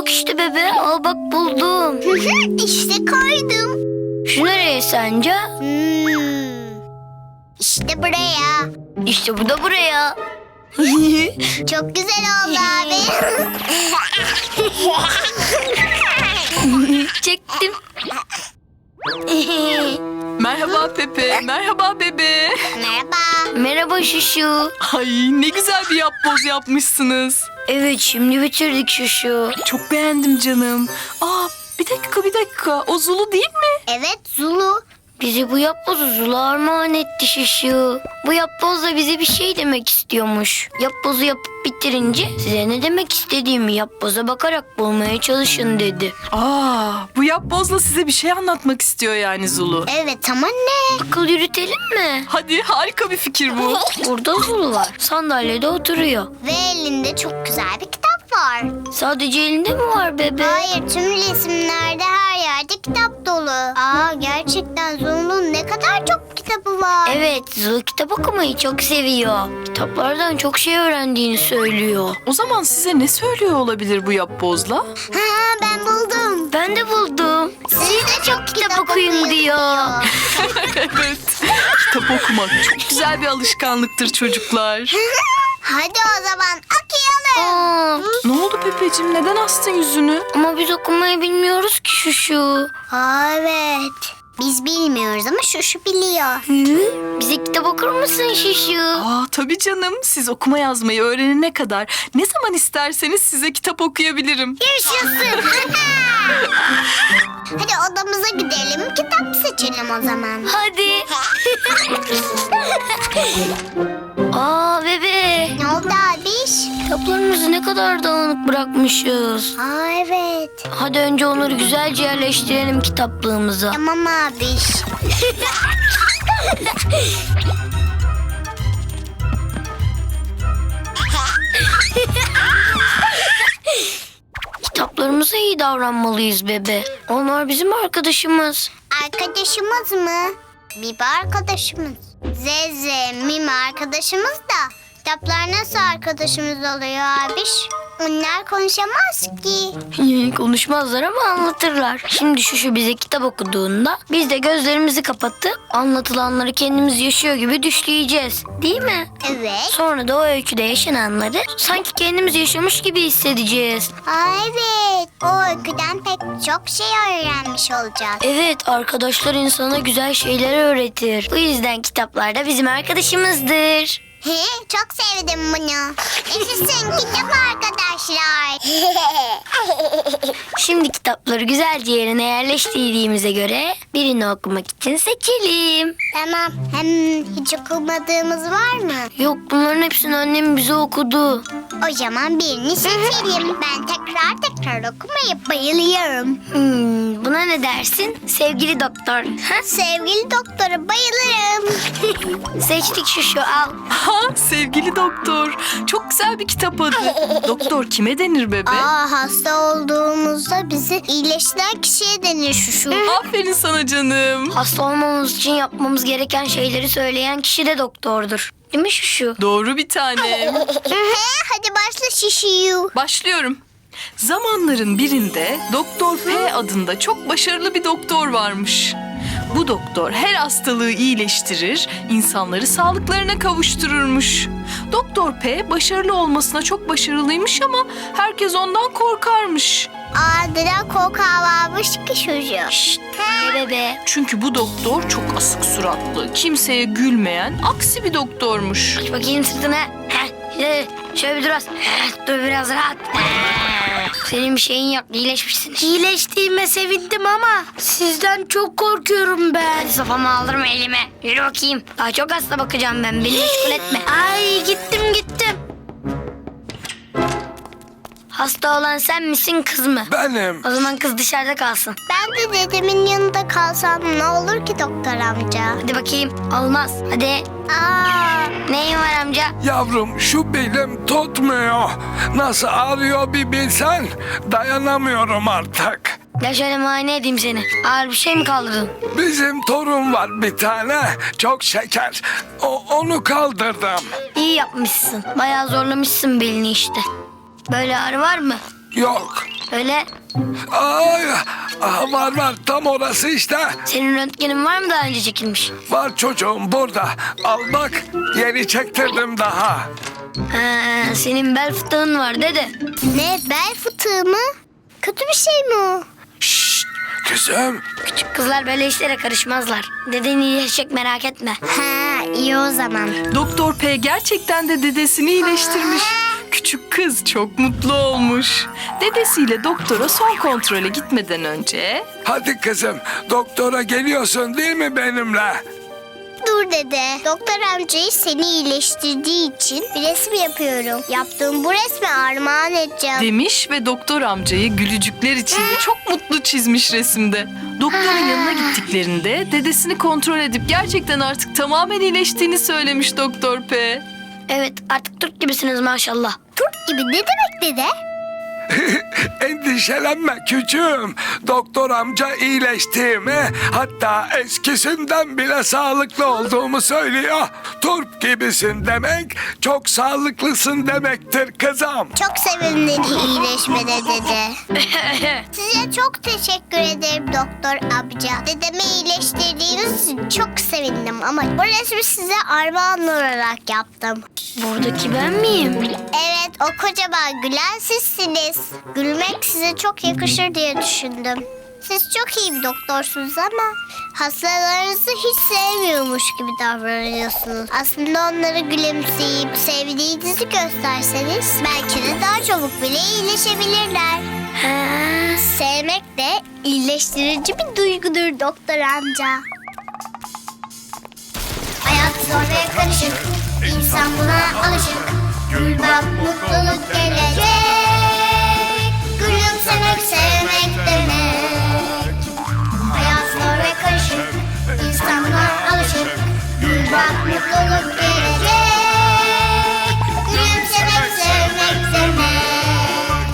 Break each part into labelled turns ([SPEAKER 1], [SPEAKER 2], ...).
[SPEAKER 1] bak işte bebe. Al bak buldum.
[SPEAKER 2] İşte koydum.
[SPEAKER 1] Şu nereye sence?
[SPEAKER 2] İşte buraya.
[SPEAKER 1] İşte bu da buraya.
[SPEAKER 2] Çok güzel oldu abi.
[SPEAKER 1] Çektim.
[SPEAKER 3] Merhaba Pepe, merhaba bebe.
[SPEAKER 2] Merhaba.
[SPEAKER 1] Merhaba Şuşu.
[SPEAKER 3] Ay ne güzel bir yapboz yapmışsınız.
[SPEAKER 1] Evet şimdi bitirdik Şuşu.
[SPEAKER 3] Çok beğendim canım. Aa bir dakika. O Zulu değil mi?
[SPEAKER 2] Evet Zulu.
[SPEAKER 1] Bize bu yapbozu Zula armağan etti Şuşu. Bu yapboz da bize bir şey demek istiyormuş. Yapbozu yapıp bitirince size ne demek istediğimi yapboza bakarak bulmaya çalışın dedi.
[SPEAKER 3] Aa bu yapbozla size bir şey anlatmak istiyor yani Zulu.
[SPEAKER 2] Evet ama ne?
[SPEAKER 1] Akıl yürütelim mi?
[SPEAKER 3] Hadi harika bir fikir bu.
[SPEAKER 1] Burada Zulu var. Sandalyede oturuyor.
[SPEAKER 2] Ve elinde çok güzel bir kitap var.
[SPEAKER 1] Sadece elinde mi var bebe?
[SPEAKER 2] Hayır, tüm resimlerde her yerde kitap dolu. Gerçekten Zulu'nun ne kadar çok kitabı var.
[SPEAKER 1] Evet, Zulu kitap okumayı çok seviyor. Kitaplardan çok şey öğrendiğini söylüyor.
[SPEAKER 3] O zaman size ne söylüyor olabilir bu yapbozla?
[SPEAKER 2] Ben buldum.
[SPEAKER 1] Ben de buldum.
[SPEAKER 2] Siz de çok
[SPEAKER 1] kitap okuyun diyor.
[SPEAKER 3] Evet. Kitap okumak çok güzel bir alışkanlıktır çocuklar.
[SPEAKER 2] Hadi o zaman okuyalım.
[SPEAKER 1] Aa,
[SPEAKER 3] Ne oldu Pepeciğim? Neden astın yüzünü?
[SPEAKER 1] ama biz okumayı bilmiyoruz ki Şuşu.
[SPEAKER 2] Evet. Biz bilmiyoruz ama şu biliyor.
[SPEAKER 1] Bize kitap okur musun Şuşu?
[SPEAKER 3] Aa tabii canım. Siz okuma yazmayı öğrenene kadar ne zaman isterseniz size kitap okuyabilirim.
[SPEAKER 2] Yaşasın. Hadi odamıza gidelim, kitap seçelim o zaman.
[SPEAKER 1] Hadi. Aa bebe.
[SPEAKER 2] Ne oldu abiş?
[SPEAKER 1] Kitaplarımızı ne kadar dağınık bırakmışız.
[SPEAKER 2] Evet.
[SPEAKER 1] Hadi önce onları güzelce yerleştirelim kitaplığımıza.
[SPEAKER 2] Tamam abiş.
[SPEAKER 1] Kitaplarımıza iyi davranmalıyız bebe. Onlar bizim arkadaşımız.
[SPEAKER 2] Arkadaşımız mı? Bibi arkadaşımız. Zeze, Mimi arkadaşımız da. Kitaplar nasıl arkadaşımız oluyor abiş? Onlar konuşamaz ki.
[SPEAKER 1] Konuşmazlar ama anlatırlar. Şimdi şu bize kitap okuduğunda biz de gözlerimizi kapatıp anlatılanları kendimiz yaşıyor gibi düşleyeceğiz. Değil mi?
[SPEAKER 2] Evet.
[SPEAKER 1] Sonra da o öyküde yaşananları sanki kendimiz yaşamış gibi hissedeceğiz.
[SPEAKER 2] Evet. O öyküden pek çok şey öğrenmiş olacağız.
[SPEAKER 1] Evet, arkadaşlar insana güzel şeyler öğretir. Bu yüzden kitaplar da bizim arkadaşımızdır.
[SPEAKER 2] Çok sevdim bunu. Yaşasın kitap arkadaşlar.
[SPEAKER 1] Şimdi kitapları güzelce yerine yerleştirdiğimize göre birini okumak için seçelim.
[SPEAKER 2] Tamam. Hem hiç okumadığımız var mı?
[SPEAKER 1] Yok, bunların hepsini annem bize okudu.
[SPEAKER 2] O zaman birini seçelim. Ben tekrar okumayı bayılıyorum.
[SPEAKER 1] Buna ne dersin? Sevgili doktor. Ha?
[SPEAKER 2] Sevgili doktora bayılırım.
[SPEAKER 1] Seçtik şu al.
[SPEAKER 3] Ha sevgili doktor. Çok güzel bir kitap adı. Doktor kime denir bebe?
[SPEAKER 2] Hasta olduğumuzda bizi iyileştiren kişiye denir şu.
[SPEAKER 3] Aferin sana canım.
[SPEAKER 1] Hasta olmamız için yapmamız gereken şeyleri söyleyen kişi de doktordur. Değil mi şu?
[SPEAKER 3] Doğru bir tanem.
[SPEAKER 2] Hadi başla şişiyu.
[SPEAKER 3] Başlıyorum. Zamanların birinde Doktor P adında çok başarılı bir doktor varmış. Bu doktor her hastalığı iyileştirir, insanları sağlıklarına kavuştururmuş. Doktor P başarılı olmasına çok başarılıymış ama herkes ondan korkarmış.
[SPEAKER 2] Neden korkağı varmış ki çocuğu?
[SPEAKER 1] Şşt, bebe.
[SPEAKER 3] Çünkü bu doktor çok asık suratlı, kimseye gülmeyen, aksi bir doktormuş.
[SPEAKER 1] Aç bakayım sırtına. Şöyle bir dur az. Dur biraz rahat. Senin bir şeyin yok. İyileşmişsin. İyileştiğime sevindim ama sizden çok korkuyorum ben. Hadi sopamı aldırma elime. Yürü bakayım. Daha çok hasta bakacağım ben. Beni meşgul etme. Ay gittim. Hasta olan sen misin kız mı?
[SPEAKER 4] Benim.
[SPEAKER 1] O zaman kız dışarıda kalsın.
[SPEAKER 2] Ben de dedemin yanında kalsam ne olur ki doktor amca?
[SPEAKER 1] Hadi bakayım. Olmaz. Hadi. Neyin var amca?
[SPEAKER 4] Yavrum şu belim tutmuyor. Nasıl ağrıyor bir bilsen. Dayanamıyorum artık.
[SPEAKER 1] Gel şöyle muayene edeyim seni. Ağır bir şey mi kaldırdın?
[SPEAKER 4] Bizim torun var bir tane. Çok şeker. Onu kaldırdım.
[SPEAKER 1] İyi yapmışsın. Bayağı zorlamışsın belini işte. Böyle ağrı var mı?
[SPEAKER 4] Yok.
[SPEAKER 1] Öyle.
[SPEAKER 4] Ay, var tam orası işte.
[SPEAKER 1] Senin röntgenin var mı daha önce çekilmiş?
[SPEAKER 4] Var çocuğum burada. Al bak yeni çektirdim daha.
[SPEAKER 1] Ha, senin bel fıtığın var dede.
[SPEAKER 2] Ne, bel fıtığı mı? Kötü bir şey mi o?
[SPEAKER 4] Şşt kızım.
[SPEAKER 1] Küçük kızlar böyle işlere karışmazlar. Deden iyileşecek merak etme.
[SPEAKER 2] Ha, iyi o zaman.
[SPEAKER 3] Doktor P gerçekten de dedesini iyileştirmiş. Küçük kız çok mutlu olmuş. Dedesiyle doktora son kontrole gitmeden önce...
[SPEAKER 4] Hadi kızım doktora geliyorsun değil mi benimle?
[SPEAKER 2] Dur dede. Doktor amcayı seni iyileştirdiği için bir resim yapıyorum. Yaptığım bu resmi armağan edeceğim.
[SPEAKER 3] demiş ve doktor amcayı gülücükler içinde çok mutlu çizmiş resimde. Doktorun yanına gittiklerinde dedesini kontrol edip gerçekten artık tamamen iyileştiğini söylemiş Doktor P.
[SPEAKER 1] Evet artık Türk gibisiniz maşallah.
[SPEAKER 2] Turp gibi ne demek dede?
[SPEAKER 4] Endişelenme küçüğüm. Doktor amca iyileştiğimi, hatta eskisinden bile sağlıklı olduğumu söylüyor. Turp gibisin demek, çok sağlıklısın demektir kızım.
[SPEAKER 2] Çok sevindim iyileşmene dede. Size çok teşekkür ederim doktor amca. Dedemi iyileştirdiğiniz için çok sevindim ama bu resmi size armağan olarak yaptım.
[SPEAKER 1] Buradaki ben miyim?
[SPEAKER 2] Evet, o kocaman gülen sizsiniz. Gülmek size çok yakışır diye düşündüm. Siz çok iyi bir doktorsunuz ama hastalarınızı hiç sevmiyormuş gibi davranıyorsunuz. Aslında onları gülümseyip sevdiğinizi gösterseniz belki de daha çabuk bile iyileşebilirler.
[SPEAKER 1] Ha,
[SPEAKER 2] Sevmek de iyileştirici bir duygudur doktor amca. Hayat zor ve karışık, insan buna alışık. Gül bak mutluluk gelecek. Gülümsemek sevmek demek. Hayat zor ve karışık, insan buna alışık. Gül bak mutluluk gelecek. Gülümsemek sevmek demek.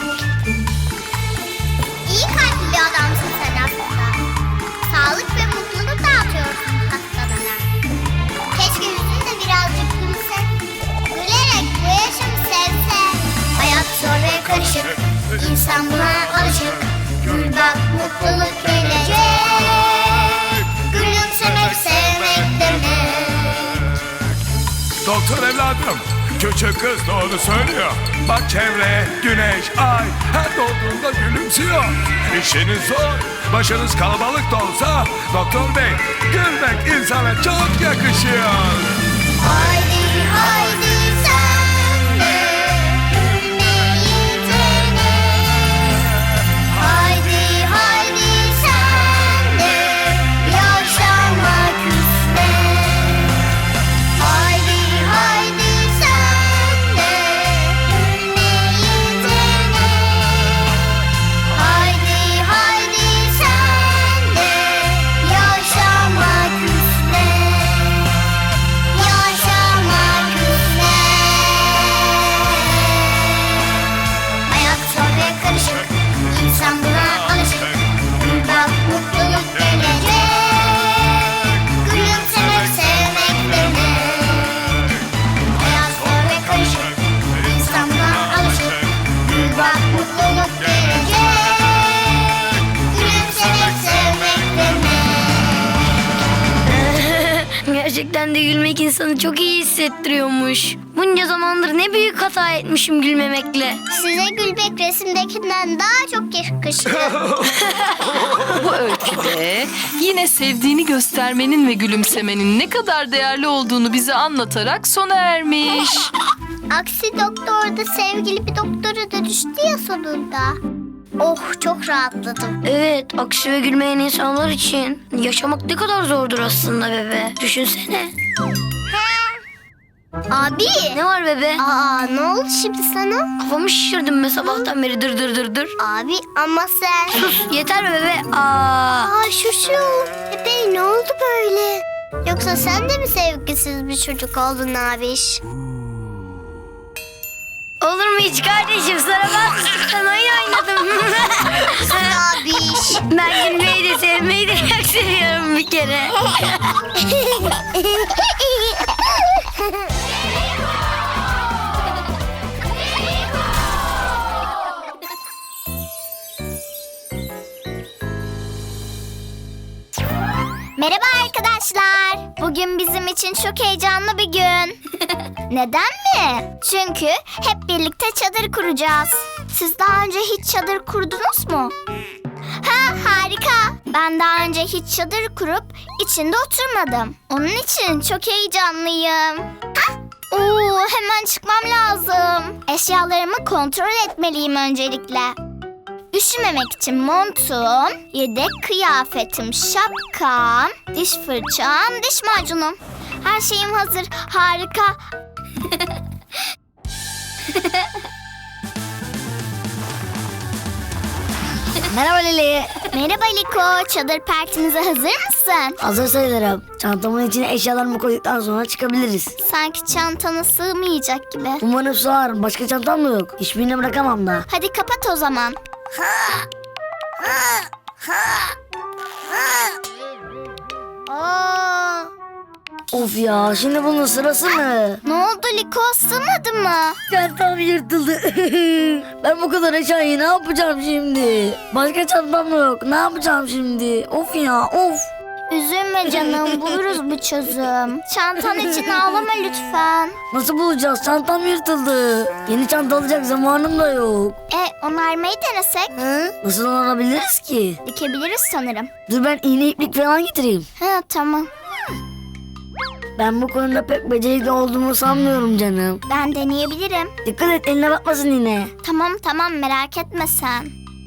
[SPEAKER 2] İyi kalpli bir adamsın sen aslında. Sağlık ve mutluluk dağıtıyorsun hastalara. Keşke yüzün de birazcık gülse. Gülerek bu yaşamı sevse. Hayat zor ve karışık, insan buna alışık. Gül bak mutluluk gelecek. Gülümsemek sevmek demek.
[SPEAKER 4] Doktor evladım, küçük kız doğru söylüyor. Bak çevreye güneş, ay her doğduğunda gülümsüyor. İşiniz zor, başınız kalabalık da olsa doktor bey, gülmek insana çok yakışıyor.
[SPEAKER 2] Haydi haydi sen de gülmeyi dene. Haydi haydi sen de yaşamak üstüne. Haydi haydi sen de gülmeyi dene. Haydi haydi sen de yaşamak üstüne. Yaşamak üzere. Hayat zor ve karışık, insan buna alışık. Gül bak mutluluk gelecek. Gülümsemek sevmek demek. Hayat zor ve karışık, insan buna alışık. Gül bak mutluluk gelecek. Gülümsemek sevmek demek.
[SPEAKER 1] gerçekten de gülmek insanı çok iyi hissettiriyormuş. Bunca zamandır ne büyük hata etmişim gülmemekle.
[SPEAKER 2] Size gülmek resimdekinden daha çok yakışıyor.
[SPEAKER 3] Bu öyküde yine sevdiğini göstermenin ve gülümsemenin ne kadar değerli olduğunu bize anlatarak sona ermiş.
[SPEAKER 2] Aksi doktor da sevgili bir doktora dönüştü ya sonunda. Oh, çok rahatladım.
[SPEAKER 1] Evet, aksi ve gülmeyen insanlar için yaşamak ne kadar zordur aslında bebe. Düşünsene.
[SPEAKER 2] Abi.
[SPEAKER 1] Ne var bebe?
[SPEAKER 2] Aa, ne oldu şimdi sana?
[SPEAKER 1] Kafamı şişirdim be sabahtan beri dır dır dır dır.
[SPEAKER 2] Abi ama sen...
[SPEAKER 1] Sus yeter be bebe. Aa.
[SPEAKER 2] Aa, şu. Bebe ne oldu böyle? Yoksa sen de mi sevgisiz bir çocuk oldun abiş?
[SPEAKER 1] Olur mu hiç kardeşim? Sana ben oyun oynadım.
[SPEAKER 2] Abiş.
[SPEAKER 1] Ben gülmeyi de sevmeyi de çok seviyorum bir kere.
[SPEAKER 2] Merhaba arkadaşlar. Bugün bizim için çok heyecanlı bir gün. Neden mi? Çünkü hep birlikte çadır kuracağız. Siz daha önce hiç çadır kurdunuz mu? Ha, harika. Ben daha önce hiç çadır kurup içinde oturmadım. Onun için çok heyecanlıyım. Hemen çıkmam lazım. Eşyalarımı kontrol etmeliyim öncelikle. Üşümemek için montum, yedek kıyafetim, şapkam, diş fırçam, diş macunum. Her şeyim hazır. Harika.
[SPEAKER 1] Merhaba Leli.
[SPEAKER 2] Merhaba Liko. Çadır partimize hazır mısın?
[SPEAKER 1] Hazır sayılırım. Çantamın içine eşyalarımı koyduktan sonra çıkabiliriz.
[SPEAKER 2] Sanki çantana sığmayacak gibi.
[SPEAKER 1] Umarım sığar. Başka çantam da yok. Hiçbirini bırakamam da.
[SPEAKER 2] Hadi kapat o zaman.
[SPEAKER 1] Of ya, şimdi bunun sırası mı?
[SPEAKER 2] Ne oldu Liko? Sığmadı mı?
[SPEAKER 1] Çantam yırtıldı. Ben bu kadar eşyayı ne yapacağım şimdi? Başka çantam da yok. Ne yapacağım şimdi? Of ya, of.
[SPEAKER 2] Üzülme canım. Buluruz bir çözüm. Çantan için ağlama lütfen.
[SPEAKER 1] Nasıl bulacağız? Çantam yırtıldı. Yeni çanta alacak zamanım da yok.
[SPEAKER 2] Onarmayı denesek?
[SPEAKER 1] Nasıl olabiliriz ki?
[SPEAKER 2] Dikebiliriz sanırım.
[SPEAKER 1] Dur ben iğne iplik falan getireyim.
[SPEAKER 2] Ha, tamam.
[SPEAKER 1] Ben bu konuda pek becerikli olduğumu sanmıyorum canım.
[SPEAKER 2] Ben deneyebilirim.
[SPEAKER 1] Dikkat et, eline batmasın yine.
[SPEAKER 2] Tamam merak etme sen.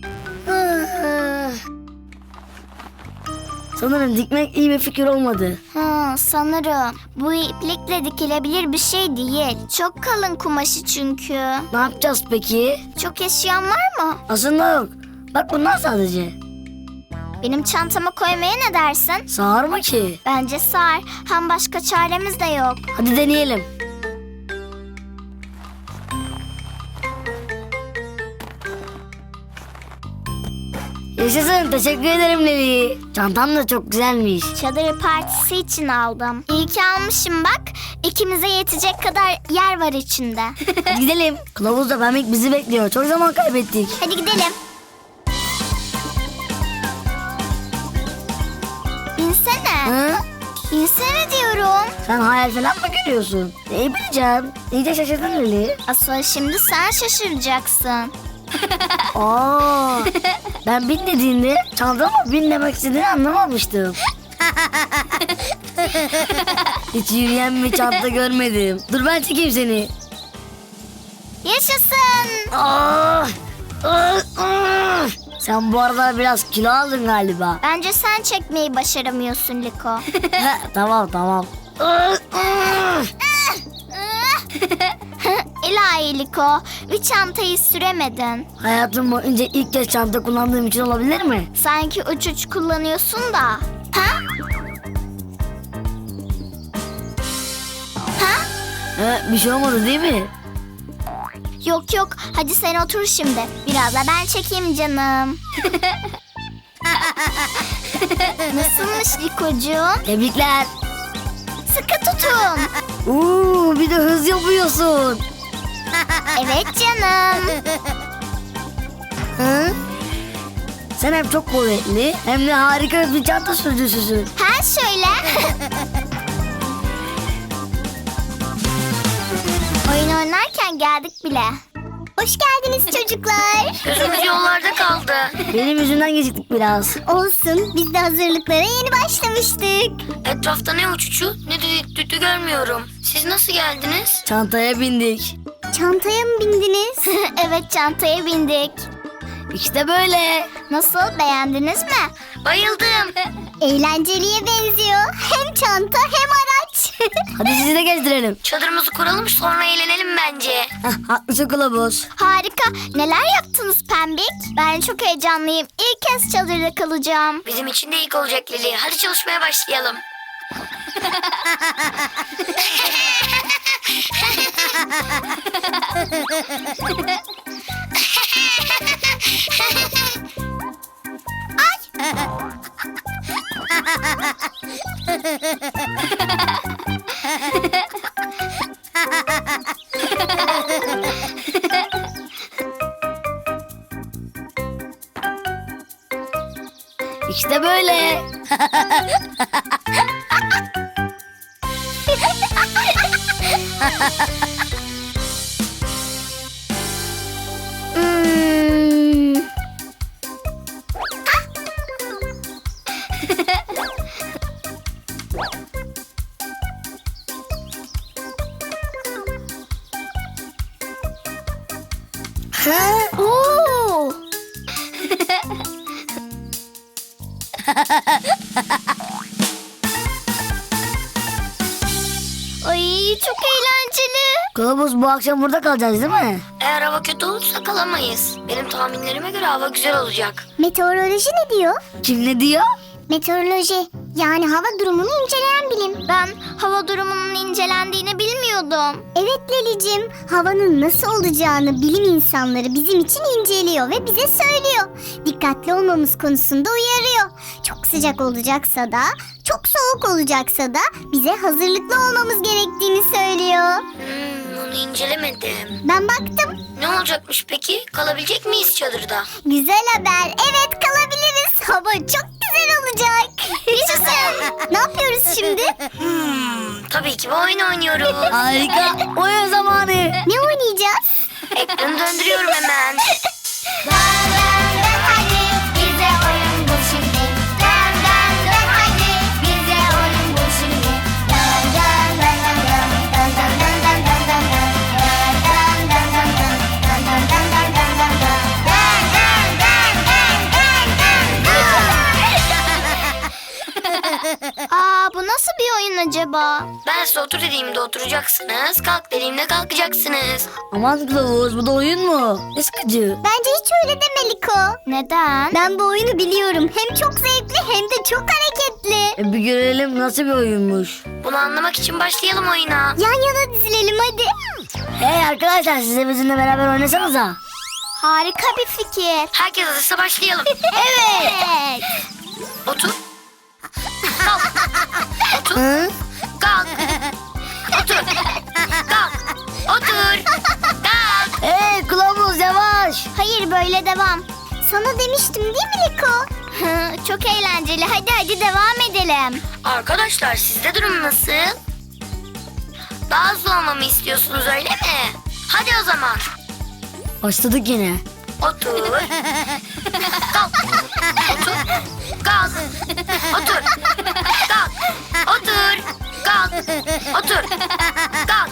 [SPEAKER 1] Sanırım dikmek iyi bir fikir olmadı.
[SPEAKER 2] Sanırım. Bu iplikle dikilebilir bir şey değil. Çok kalın kumaşı çünkü.
[SPEAKER 1] Ne yapacağız peki?
[SPEAKER 2] Çok eşyan var mı?
[SPEAKER 1] Aslında yok. Bak bunlar sadece.
[SPEAKER 2] Benim çantama koymaya ne dersin?
[SPEAKER 1] Sığar mı ki?
[SPEAKER 2] Bence sığar. Hem başka çaremiz de yok.
[SPEAKER 1] Hadi deneyelim. Yaşasın, teşekkür ederim Levi. Çantam da çok güzelmiş.
[SPEAKER 2] Çadır partisi için aldım. İyi ki almışım bak. İkimize yetecek kadar yer var içinde.
[SPEAKER 1] Hadi gidelim. Kılavuzla Pembik bizi bekliyor. Çok zaman kaybettik.
[SPEAKER 2] Hadi gidelim. İnsene.
[SPEAKER 1] Hı?
[SPEAKER 2] İnsene diyorum.
[SPEAKER 1] Sen hayal falan mı görüyorsun? Neyi bileceğim? İyice şaşırdın Leli.
[SPEAKER 2] Asıl şimdi sen şaşıracaksın.
[SPEAKER 1] Aa, ben bin dediğinde çantama bin demek istediğini anlamamıştım. Hiç yürüyen bir çanta görmedim. Dur ben çekeyim seni.
[SPEAKER 2] Yaşasın.
[SPEAKER 1] Aa, sen bu arada biraz kilo aldın galiba.
[SPEAKER 2] Bence sen çekmeyi başaramıyorsun Liko.
[SPEAKER 1] Tamam.
[SPEAKER 2] İlahi Liko, bir çantayı süremedin.
[SPEAKER 1] Hayatım boyunca ilk kez çanta kullandığım için olabilir mi?
[SPEAKER 2] Sanki uç kullanıyorsun da. Ha?
[SPEAKER 1] Bir şey olmadı değil mi?
[SPEAKER 2] Yok, hadi sen otur şimdi. Biraz da ben çekeyim canım. Nasılmış Likocuğum?
[SPEAKER 1] Tebrikler.
[SPEAKER 2] Sıkı tutun.
[SPEAKER 1] Bir de hız yapıyorsun.
[SPEAKER 2] Evet canım.
[SPEAKER 1] Hı? Sen hem çok kuvvetli hem de harika bir çanta sürücüsüsün.
[SPEAKER 2] Ha şöyle. Oyun oynarken geldik bile. Hoş geldiniz çocuklar.
[SPEAKER 1] Gözümüz yollarda kaldı. Benim yüzümden geciktik biraz.
[SPEAKER 2] Olsun, biz de hazırlıklara yeni başlamıştık.
[SPEAKER 1] Etrafta ne uçucu ne de düdü görmüyorum. Siz nasıl geldiniz? Çantaya bindik.
[SPEAKER 2] Çantaya mı bindiniz? Evet, çantaya bindik.
[SPEAKER 1] İşte böyle.
[SPEAKER 2] Nasıl, beğendiniz mi?
[SPEAKER 1] Bayıldım.
[SPEAKER 2] Eğlenceliye benziyor. Hem çanta hem araç.
[SPEAKER 1] Hadi sizi de gezdirelim. Çadırımızı kuralım sonra eğlenelim bence. Haklısın kılavuz.
[SPEAKER 2] Harika. Neler yaptınız Pembik? Ben çok heyecanlıyım. İlk kez çadırda kalacağım.
[SPEAKER 1] Bizim için de ilk olacak Lili. Hadi çalışmaya başlayalım. İşte böyle.
[SPEAKER 2] Hmm. Oo. Ay çok eğlenceli.
[SPEAKER 1] Kılavuz bu akşam burada kalacağız değil mi? Eğer hava kötü olursa kalamayız. Benim tahminlerime göre hava güzel olacak.
[SPEAKER 2] Meteoroloji ne diyor?
[SPEAKER 1] Kim ne diyor?
[SPEAKER 2] Meteoroloji yani hava durumunu inceleyen bilim. Ben hava durumunun incelendiğini bilmiyordum. Evet Lelicim, havanın nasıl olacağını bilim insanları bizim için inceliyor ve bize söylüyor. Dikkatli olmamız konusunda uyarıyor. Çok sıcak olacaksa da, çok soğuk olacaksa da bize hazırlıklı olmamız gerektiğini söylüyor.
[SPEAKER 1] Onu incelemedim.
[SPEAKER 2] Ben baktım.
[SPEAKER 1] Ne olacakmış peki? Kalabilecek miyiz çadırda?
[SPEAKER 2] Güzel haber. Evet kalabiliriz. Hava çok güzel olacak. Yaşasın. Ne yapıyoruz şimdi?
[SPEAKER 1] Tabii ki bu oyun oynuyoruz.
[SPEAKER 5] Harika. Oyun zamanı.
[SPEAKER 2] Ne oynayacağız?
[SPEAKER 1] Ekranı döndürüyorum hemen.
[SPEAKER 2] Dön dön dön hadi bize oyun bul şimdi. Dön dön dön hadi bize oyun bul şimdi. Dön dön dön dön dön dön dön dön dön dön dön dön. Dön dön dön dön dön dön dön dön dön dön dön. Dön dön dön dön dön dön dön dön. Aa bu nasıl bir oyun acaba?
[SPEAKER 1] Ben size otur dediğimde oturacaksınız. Kalk dediğimde kalkacaksınız.
[SPEAKER 5] Aman kılavuz, bu da oyun mu? Ne sıkıcı.
[SPEAKER 2] Bence hiç öyle deme Liko. Neden? Ben bu oyunu biliyorum. Hem çok zevkli hem de çok hareketli.
[SPEAKER 5] Bir görelim nasıl bir oyunmuş.
[SPEAKER 1] Bunu anlamak için başlayalım oyuna.
[SPEAKER 2] Yan yana dizilelim hadi.
[SPEAKER 5] Hey arkadaşlar, siz de bizimle beraber oynasanıza.
[SPEAKER 2] Harika bir fikir.
[SPEAKER 1] Herkes hazırsa başlayalım.
[SPEAKER 2] Evet.
[SPEAKER 1] Otur. Kalk. Otur.
[SPEAKER 5] Hı?
[SPEAKER 1] Kalk. Otur. Kalk. Otur. Kalk.
[SPEAKER 5] Hey kılavuz, yavaş.
[SPEAKER 2] Hayır böyle devam. Sana demiştim değil mi Liko? Çok eğlenceli. Hadi devam edelim.
[SPEAKER 1] Arkadaşlar sizde durum nasıl? Daha hızlı olmamı istiyorsunuz öyle mi? Hadi o zaman.
[SPEAKER 5] Başladık yine.
[SPEAKER 1] Otur. Kalk. Otur. Kalk. Otur. Kalk. Otur. Kalk. Otur. Kalk.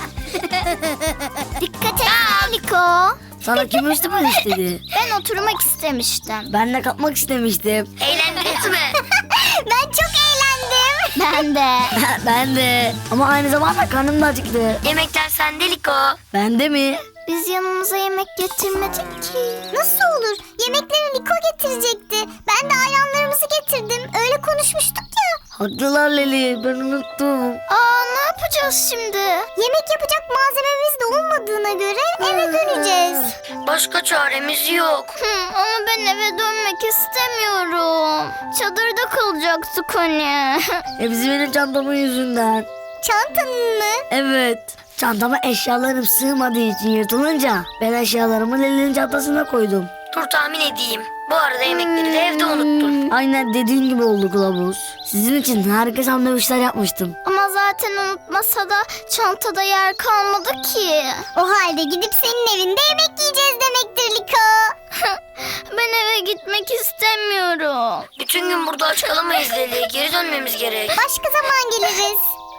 [SPEAKER 2] Dikkat et Liko.
[SPEAKER 5] Sana kim üstüme istedi?
[SPEAKER 2] Ben oturmak istemiştim.
[SPEAKER 5] Ben de kapmak istemiştim.
[SPEAKER 1] Eğlendiniz mi?
[SPEAKER 2] Ben çok eğlendim. Ben de.
[SPEAKER 5] Ben de. Ama aynı zamanda karnım da acıktı.
[SPEAKER 1] Yemekler sende Liko.
[SPEAKER 5] Ben de mi?
[SPEAKER 2] Biz yanımıza yemek getirmedik ki. Nasıl olur? Yemekleri Liko getirecekti. Ben de ayranlarımızı getirdim. Öyle konuşmuştuk ya.
[SPEAKER 5] Haklılar Leli, ben unuttum.
[SPEAKER 2] Aa ne yapacağız şimdi? Yemek yapacak malzememiz de olmadığına göre eve döneceğiz.
[SPEAKER 1] Başka çaremiz yok.
[SPEAKER 2] Ama ben eve dönmek istemiyorum. Çadırda kalacaktık hani.
[SPEAKER 5] Hepsi benim çantamın yüzünden.
[SPEAKER 2] Çantanın mı?
[SPEAKER 5] Evet. Çantama eşyalarım sığmadığı için yırtılınca ben eşyalarımı Leli'nin çantasına koydum.
[SPEAKER 1] Dur tahmin edeyim. Bu arada yemekleri de evde unuttun.
[SPEAKER 5] Aynen dediğin gibi oldu kılavuz. Sizin için harika sandviçler yapmıştım.
[SPEAKER 2] Ama zaten unutmasa da çantada yer kalmadı ki. O halde gidip senin evinde yemek yiyeceğiz demektir Liko. Ben eve gitmek istemiyorum.
[SPEAKER 1] Bütün gün burada aç kalamayız Leli. Geri dönmemiz gerek.
[SPEAKER 2] Başka zaman geliriz.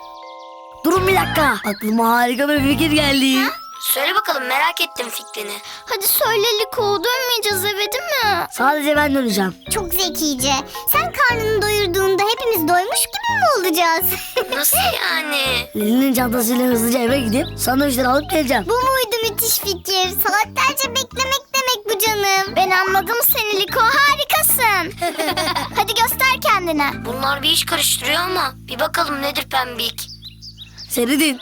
[SPEAKER 5] Durun bir dakika. Aklıma harika bir fikir geldi.
[SPEAKER 1] Söyle bakalım, merak ettim fikrini.
[SPEAKER 2] Hadi söyle Liko, dönmeyeceğiz eve değil mi?
[SPEAKER 5] Sadece ben döneceğim.
[SPEAKER 2] Çok zekice. Sen karnını doyurduğunda hepimiz doymuş gibi mi olacağız?
[SPEAKER 1] Nasıl yani?
[SPEAKER 5] Leli'nin çantasıyla hızlıca eve gidip sandviçleri alıp geleceğim.
[SPEAKER 2] Bu muydu müthiş fikir? Saatlerce beklemek demek bu canım. Ben anladım seni Liko, harikasın. Hadi göster kendine.
[SPEAKER 1] Bunlar bir iş karıştırıyor ama bir bakalım nedir Pembik.
[SPEAKER 5] Seyredin.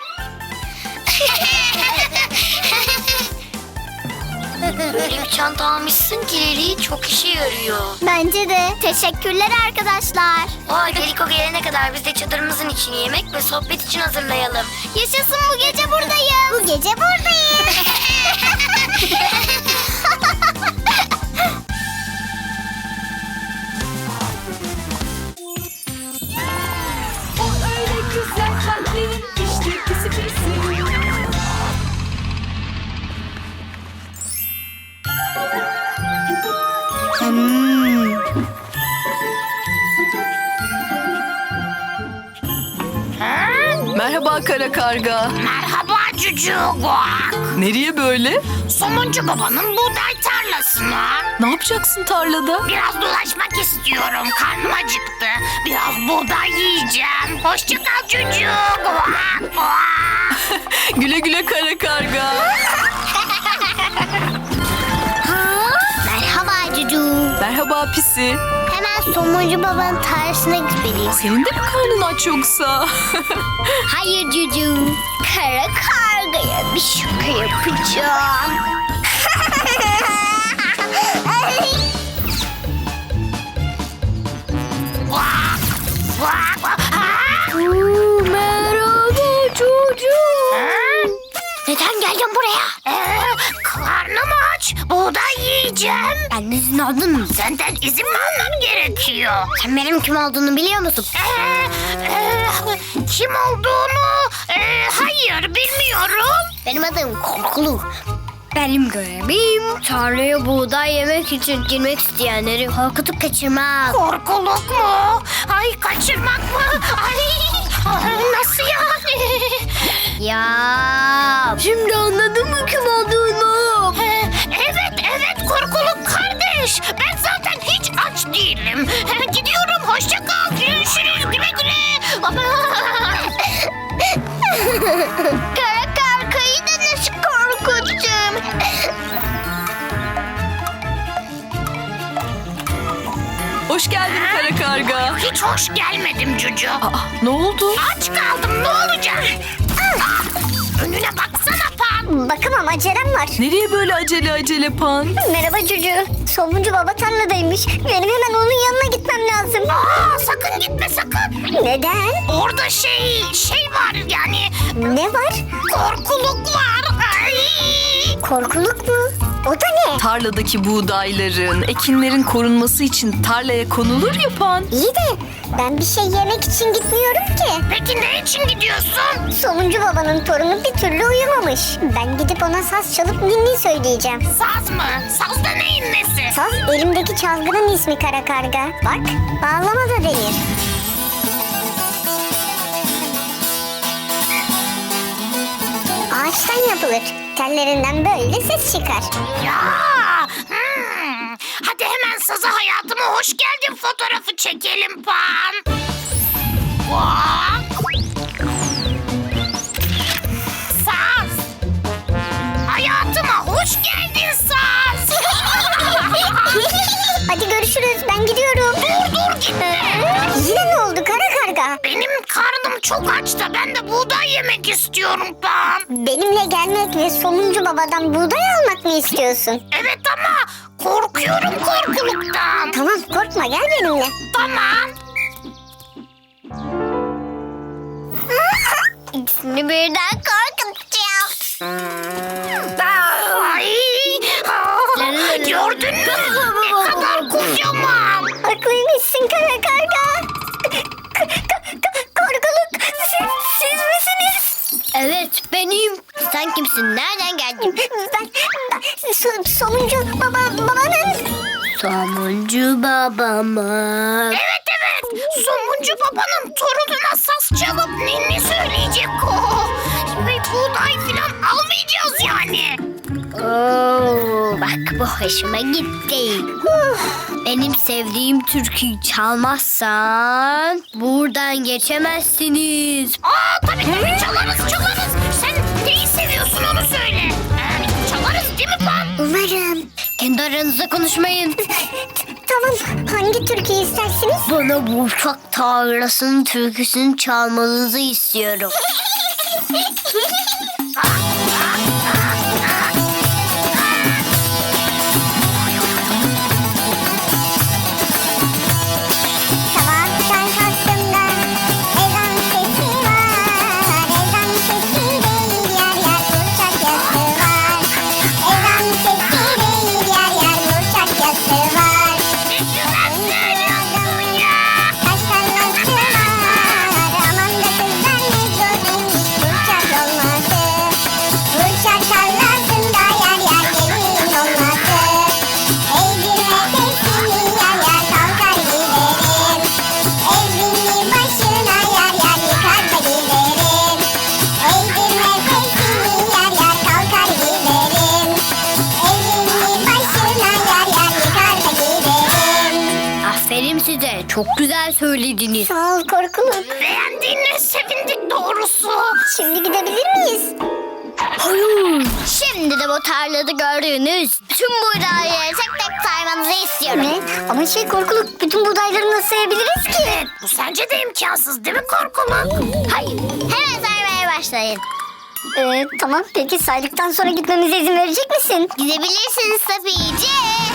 [SPEAKER 1] Böyle bir çanta almışsın ki Leli, çok işe yarıyor.
[SPEAKER 2] Bence de. Teşekkürler arkadaşlar.
[SPEAKER 1] O halde Liko gelene kadar biz de çadırımızın içini yemek ve sohbet için hazırlayalım.
[SPEAKER 2] Yaşasın, bu gece buradayım. Bu gece buradayım.
[SPEAKER 3] O öyle güzel kalplerin işte pisi pisi. Merhaba kara karga.
[SPEAKER 6] Merhaba Cucu. Guak.
[SPEAKER 3] Nereye böyle?
[SPEAKER 6] Somuncu babanın buğday tarlasına.
[SPEAKER 3] Ne yapacaksın tarlada?
[SPEAKER 6] Biraz dolaşmak istiyorum. Karnım acıktı. Biraz buğday yiyeceğim. Hoşça kal Cucu. Guak, guak.
[SPEAKER 3] Güle güle kara karga.
[SPEAKER 2] Merhaba Cucu.
[SPEAKER 3] Merhaba pisi.
[SPEAKER 2] Hemen somuncu babanın tarlasına gitmeliyim.
[SPEAKER 3] Senin de mi karnın aç yoksa?
[SPEAKER 2] Hayır Cucu. Kara kargaya bir şaka yapacağım.
[SPEAKER 6] Guak, guak, guak. Ha?
[SPEAKER 1] Merhaba çocuğum.
[SPEAKER 6] Ha?
[SPEAKER 2] Neden geldin buraya?
[SPEAKER 6] Karnım aç. Buğday yiyeceğim.
[SPEAKER 2] Ben izin aldın mı?
[SPEAKER 6] Senden izin mi almam gerekiyor?
[SPEAKER 2] Sen benim kim olduğunu biliyor musun?
[SPEAKER 6] Kim olduğunu hayır bilmiyorum.
[SPEAKER 2] Benim adım Korkulu.
[SPEAKER 1] Benim görevim tarlaya buğday yemek için girmek isteyenleri korkutup kaçırmak.
[SPEAKER 6] Korkuluk mu? Ay kaçırmak mı? Ay nasıl yani?
[SPEAKER 1] Ya şimdi anladın mı kim olduğunu?
[SPEAKER 6] Evet korkuluk kardeş. Ben zaten hiç aç değilim. Gidiyorum hoşça kal. Görüşürüz güle güle.
[SPEAKER 2] Kara kargayı da nasıl korkuttum?
[SPEAKER 3] Hoş geldin kara karga.
[SPEAKER 6] Hiç hoş gelmedim Cucu.
[SPEAKER 3] Aa, ne oldu?
[SPEAKER 6] Aç kaldım ne olacak? Önüne baksana Pan.
[SPEAKER 2] Bakamam acelem var.
[SPEAKER 3] Nereye böyle acele Pan?
[SPEAKER 2] Merhaba Cucu. Somuncu baba tarladaymış. Benim hemen onun yanına gitmem lazım.
[SPEAKER 6] Sakın gitme sakın.
[SPEAKER 2] Neden?
[SPEAKER 6] Orada şey var yani
[SPEAKER 2] Ne var?
[SPEAKER 6] korkuluk var. Ay.
[SPEAKER 2] Korkuluk mu? O da ne?
[SPEAKER 3] Tarladaki buğdayların, ekinlerin korunması için tarlaya konulur ya Pan.
[SPEAKER 2] İyi de ben bir şey yemek için gitmiyorum ki.
[SPEAKER 6] Peki ne için gidiyorsun?
[SPEAKER 2] Somuncu babanın torunu bir türlü uyumamış. Ben gidip ona saz çalıp ninni söyleyeceğim.
[SPEAKER 6] Saz mı? Saz da neyin nesi?
[SPEAKER 2] Saz elimdeki çalgının ismi kara karga. Bak bağlama da denir. Ağaçtan yapılır. Tellerinden böyle ses çıkar.
[SPEAKER 6] Ya. Hadi hemen saza hayatıma hoş geldin fotoğrafı çekelim Pan. Bak. Saz. Hayatıma hoş geldin Saz.
[SPEAKER 2] Hadi görüşürüz ben gidiyorum.
[SPEAKER 6] Dur gitme.
[SPEAKER 2] Yine ne oldu kara karga?
[SPEAKER 6] Benim karnım çok aç da ben de buğday yemek istiyorum Pan.
[SPEAKER 2] Benimle gelmek ve somuncu babadan buğday almak mı istiyorsun?
[SPEAKER 6] Evet ama korkuyorum korkuluktan.
[SPEAKER 2] Tamam korkma gel benimle.
[SPEAKER 6] Tamam.
[SPEAKER 2] İkisini birden korkutacağım.
[SPEAKER 6] Ay. Gördün mü? Ne kadar kocaman.
[SPEAKER 2] Haklıymışsın kara karga. Korkuluk siz misiniz?
[SPEAKER 1] Evet benim.
[SPEAKER 2] Sen kimsin? Nereden geldin? Ben somuncu babanın.
[SPEAKER 1] Somuncu babamı.
[SPEAKER 6] Evet. Somuncu babanın torununa saz çalıp ninni söyleyecek o. Ve buğday falan almayacağız yani.
[SPEAKER 1] Oo, bak bu hoşuma gitti. Benim sevdiğim türküyü çalmazsan buradan geçemezsiniz.
[SPEAKER 6] Tabii çalarız. Sen neyi seviyorsun onu söyle. Çalarız değil mi Pan?
[SPEAKER 2] Umarım.
[SPEAKER 1] Kendi aranızda konuşmayın.
[SPEAKER 2] Tamam. Hangi türküyü istersiniz?
[SPEAKER 1] Bana bu uçak tarlasının türküsünü çalmanızı istiyorum.
[SPEAKER 2] Sabahtan kalktığımda ezan sesi var. Ezan sesi değil yer yer uçak yası var. Ezan sesi değil yer yer uçak yası var.
[SPEAKER 6] Ne güzel söylüyorsun ya.
[SPEAKER 2] Taş tarlası var. Aman da kızlar ne gördünüz uçak olmasın.
[SPEAKER 1] Çok güzel söylediniz.
[SPEAKER 2] Sağ ol Korkuluk.
[SPEAKER 6] Beğendiğine sevindik doğrusu.
[SPEAKER 2] Şimdi gidebilir miyiz?
[SPEAKER 1] Hayır.
[SPEAKER 2] Şimdi de bu tarlada gördüğünüz bütün buğdayları tek tek saymanızı istiyorum. Ne? Ama Korkuluk, bütün buğdayları nasıl sayabiliriz ki?
[SPEAKER 6] Bu sence de imkansız değil mi Korkuluk?
[SPEAKER 2] Hayır. Hemen saymaya başlayın. Tamam, peki saydıktan sonra gitmemize izin verecek misin? Gidebilirsiniz Safiye.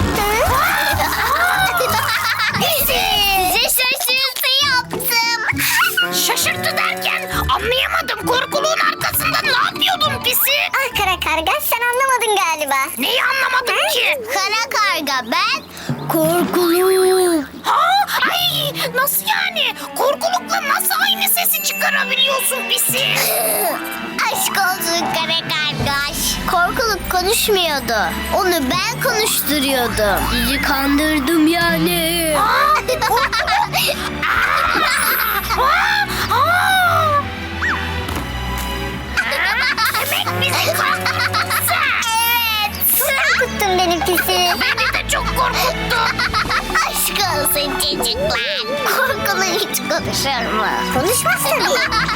[SPEAKER 2] Size şaşırtı yaptım.
[SPEAKER 6] Şaşırttı derken anlayamadım. Korkuluğun arkasında ne yapıyordun pisi?
[SPEAKER 2] Ah kara karga, sen anlamadın galiba.
[SPEAKER 6] Neyi anlamadım ki?
[SPEAKER 2] Kara karga ben.
[SPEAKER 1] Korkuluk.
[SPEAKER 6] Ha? Ay nasıl yani? Korkulukla nasıl aynı sesi çıkarabiliyorsun pisi?
[SPEAKER 2] Aşk olsun kara kargaş. Korkuluk konuşmuyordu. Onu ben konuşturuyordum.
[SPEAKER 1] Sizi kandırdım yani.
[SPEAKER 6] Demek bizi kandırdın sen.
[SPEAKER 2] Evet. Korkuttun beni pisi.
[SPEAKER 6] Beni de çok korkuttun.
[SPEAKER 2] Aşk olsun çocuklar. Korkulu hiç konuşur mu? Konuşmaz tabii.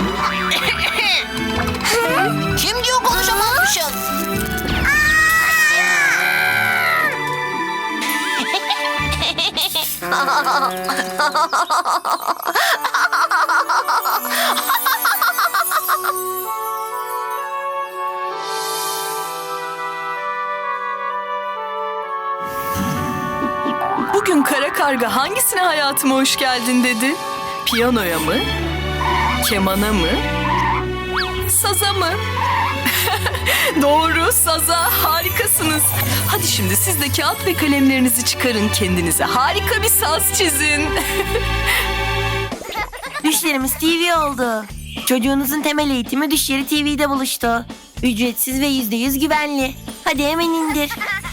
[SPEAKER 6] Kim diyor konuşamazmışım?
[SPEAKER 3] Bugün kara karga hangisine hayatıma hoş geldin dedi? Piyanoya mı? Kemana mı? Saza mı? Doğru, saza. Harikasınız. Hadi şimdi siz de kağıt ve kalemlerinizi çıkarın. Kendinize harika bir saz çizin.
[SPEAKER 7] Düşlerimiz TV oldu. Çocuğunuzun temel eğitimi Düşleri TV'de buluştu. Ücretsiz ve %100 güvenli. Hadi hemen indir.